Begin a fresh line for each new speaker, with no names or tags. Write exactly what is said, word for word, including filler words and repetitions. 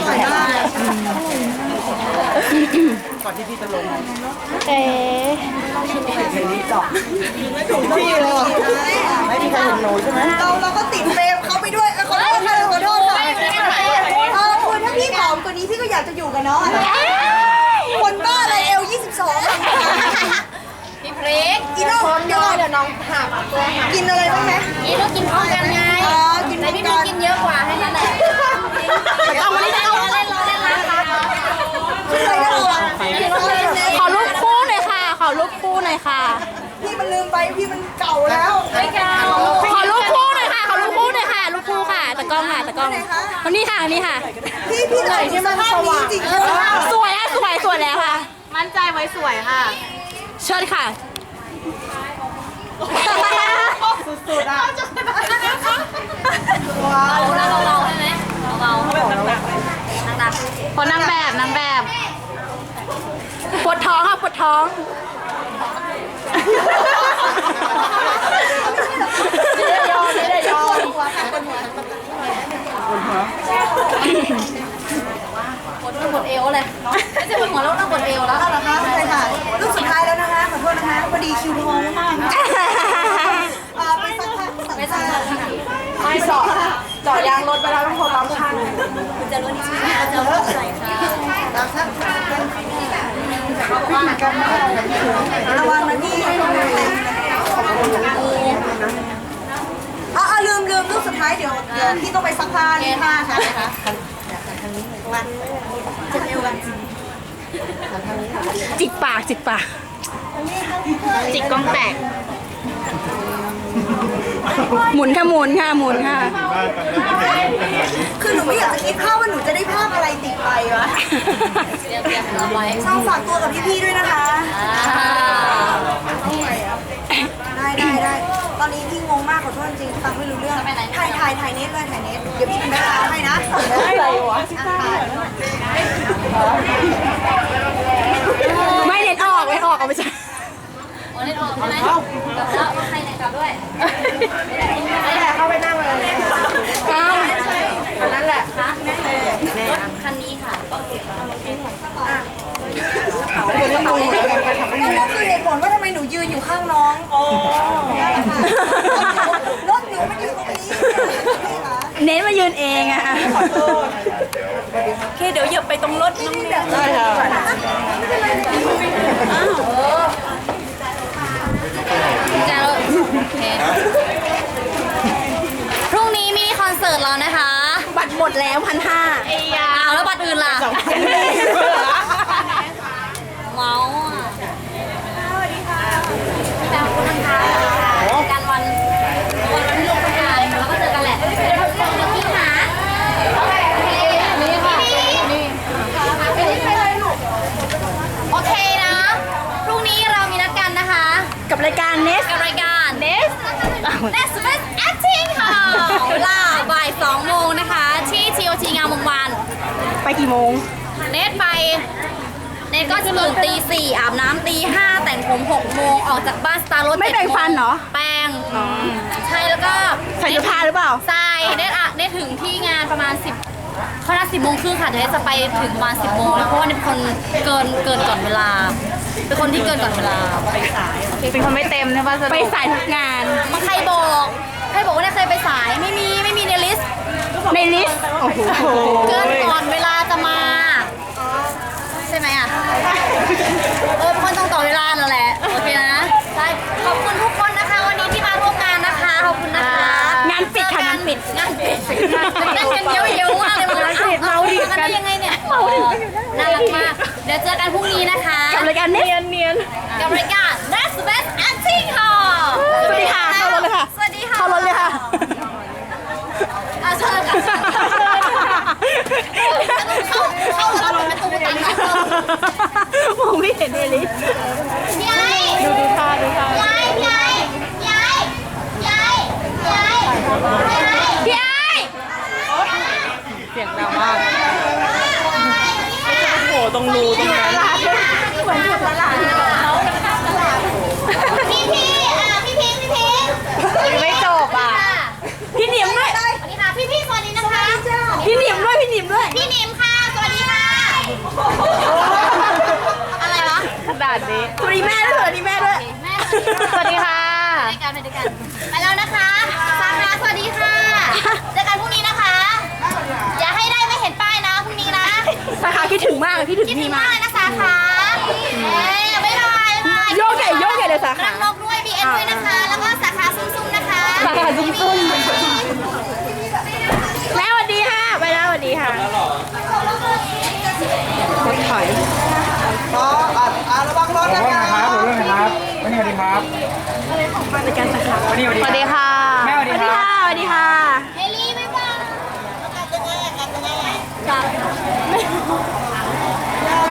ร่อยมากก่อนที่พี่จะลง
เอ๊ะ
เพลงนี้เจาะไม่ถูกที่เลยไม่มีใครเห็นหนูใช่ไหมเราเราก็ติดเฟรมเขาไปด้วยขอโทษค่ะขอโทษค่ะเออคุณถ้าพี่ผอมกว่านี้พี่ก็อยากจะอยู่กับน้องคนบ้าอะไรเอลยี่สิบสอง
พี่พริก
กินน้องเดี๋ยวเดี๋ยวน้องหักตัวกินอะไรบ้างไหม
กินต้องกินพร้อมกันไง
อ๋อกิน
แต่พี่พริกกินเยอะกว่าให้นั่นแหละเอามาเล่นเอาเล่นเราเล่นนะคะ
ขอรูปคู่หน่อยค่ะ ขอรูปคู่หน่อยค่ะ
พี่มันลืมไปพี่มันเก่าแล้ว
ไม่เก่า
ขอรูปคู่หน่อยค่ะ ขอรูปคู่หน่อยค่ะ รูปคู่ค่ะตะกล้องค่ะตะกล้องคนนี้ค่ะนี่ค่ะ
พี่พี่หน่อยที่มันสว่างจริงๆ
สวยอ่ะสวยสวยแล้วค่ะ
มั่นใจไว้สวยค่ะ
เชิญค่ะ
สุดๆอ่ะ
เบาแล้วเบาๆใช่ไหมเบาๆหนักๆหนักๆคนนางแบบนางแบบ
ปวดท้องค่ะปวดท้อง
ไม่ได้ยอมไม่ได้ยอม
ปวดต้องปวดเอวเลยไม่ใช่ปวดหัวแล้วต้องปวดเอวแล้ว
เอาละคะใช่ค่ะลูกสุดท้ายแล้วนะคะขอโทษนะคะพอดีคิวทองมากๆไปสักพัก
ไปสั่งเถอะค่ะ
ไม่เจาะเจาะยางรถไปแล้วต้องโทรตามช่าง
คุณจะรู้นี่ใช่ไหมเราจะรู้ใส่ค่ะ
ตามช่าง
เขาบอกว่า
ระวังนะพี่อ๋อลืมลืมลูกสุดท้ายเดี๋ยวเดี๋ยวพี่ต้องไปซักผ้านี่ผ้าค่ะวันจะเอววัน
จิกปากจิกปาก
จิกกล้องแตก
หมุนค่ะหมุนค่ะหมุนค่ะ
คือหนูไม่อยากจะคิดภาพว่าหนูจะได้ภาพอะไรติดไปวะ
เตรียมเตรียมเราไว้
ช่างฝากตัวกับพี่ๆด้วยนะคะ ได้ได้ได้ตอนนี้พี่งงมากขอโทษจริงฟังไม่รู้เรื่องถ่ายถ่ายถ่ายเน็ตเลยถ่ายเน็ตเดี๋ยวพี่เป็นแม่ค้าให้นะอะไรวะ
ไม่เน็ตออกไม่ออกเอาไปใช่
โอ้เล่นออกใช่ไหมกลับแล้วใครไหนกลับด้วย
เข้าไปนั่งเลย
อ้าว
อันนั้นแหละ
คะรถคันนี้ค่ะ
นั่นคือเหตุผลว่าทำไมหนูยืนอยู่ข้างน้องรถหนูมันอยู่ตรงนี้
เน็ตมายืนเองอะขอโทษโอเคเดี๋ยวเหยียบไปตรงรถน้องเน็ตได้ค่ะ
จะโอเคพรุ่งนี้มินิคอนเสิร์ตเรานะคะ
บัตรหมดแล้วพันห้า
ไอ้ยาเอาแล้วบัตรอื่นล่ะเมาอ่ะสวัสดีค่ะแซวคุณนะคะการวันวันที่ลงประกาศแล้วก็เจอกันแหละเดี๋ยวพี่หานี่ค่ะนี่โอเคนะ พรุ่งนี้เรามีนัดกันนะคะ
กับรายการเนส
กับรายการ Nest Nest Best Acting ค่ะเวลาบ่ายสองโมงนะคะ ที่ ที โอ ที งามวงวาน
ไปกี่โมง
เนทไปเนทก็จะตื่นตีสี่อาบน้ำตีห้าแต่งผมหกโมงออกจากบ้านสตาร์รถ
ไม่แปรงฟันเหรอ
แปรงใช่แล้วก็
ใส่เสื้อผ้าหรือเปล่า
ใส่เนทอะเนทถึงที่งานประมาณสิบเขานัดสิบโมงครึ่งค่ะเดี๋ยวเนทจะไปถึงประมาณสิบโมงแล้วเพราะว่าเนทเป็นคนเกินเกินก่อนเวลาเป็นคนที่เกินก่อนเวลาไปสายเป็นคนไม่เต็มใช่ปะ
ไปสายทุกงาน
มันใครบอกใครบอกว่าเนทเคยไปสายไม่มีไม่มีในลิสต์
ในลิสต์โอ้โห
เกินก่อนเวลาจะมาใช่ไหมอ่ะเออคนต้องต่อเวลานั่นแหละโอเคนะใช่ขอบคุณทุกคนนะคะวันนี้ที่มาร่วมงานนะคะขอบคุณนะคะ
งานปิดค่ะงานปิด
งานปิดนั่งกันเยอะๆมากเลยมันเราดิกันได้ยังไงเนี่ยน่ารักมากเดี๋ยวเจอกันพรุ่งนี้นะคะ
กับรายการเนสเนียน
กับรายการ That's Best Acting ค่ะ
สวัสดีค่ะเข้ารถเลยค่ะ
สวัสดีค่ะ
เข้ารถเลยค่ะ
อ่ะเชิญค่ะเข้าเข้ารถเป็นประตูตันนะ
มองไม่เห็นเอลิส
ยาย
ดูดูท่าดูท่าย
ายยายยายยายยายยาย
เสียงดังมาก
โอ้ตรงรูตรงนั้น
เหมือนอยู่ตลาด
พี่พี่อ่ะพี่พิงพี่พิง
ไม่จบอ่ะพี่หนิมด้วย
สวัสดีค่ะพี่พี่สวัสดีนะคะ
พี่หนิมด้วยพี่หนิมด้วย
พี่นิมค่ะ
ถึง
คิดถึ
พี่
ง
มาม
าก กเลยนะสาขาเอ้ยบ๊ายบายบ๊ายบาย
โยกใหญ่โยกใหญ่เลยสาขา
รังนกด้วย บี เอ็น ด้วยนะคะ แล้วก็สาขาซุ้มๆนะคะ
สาขาซุ้มๆแม่สวัสดีค่ะไปแล้วสวัสดีค่ะรถถอย
อ๋ออ่ะอ่ะระวังรถ
ขอ
นะ
โทษ
คะ
นะครับขอโทษนะครับวันนี้สวัสดีครับ
บริการสาขา
วันนี้สวัสดี
สวัสดีค่ะ
แม่สวัสดีครับ
สวัสดีค่ะ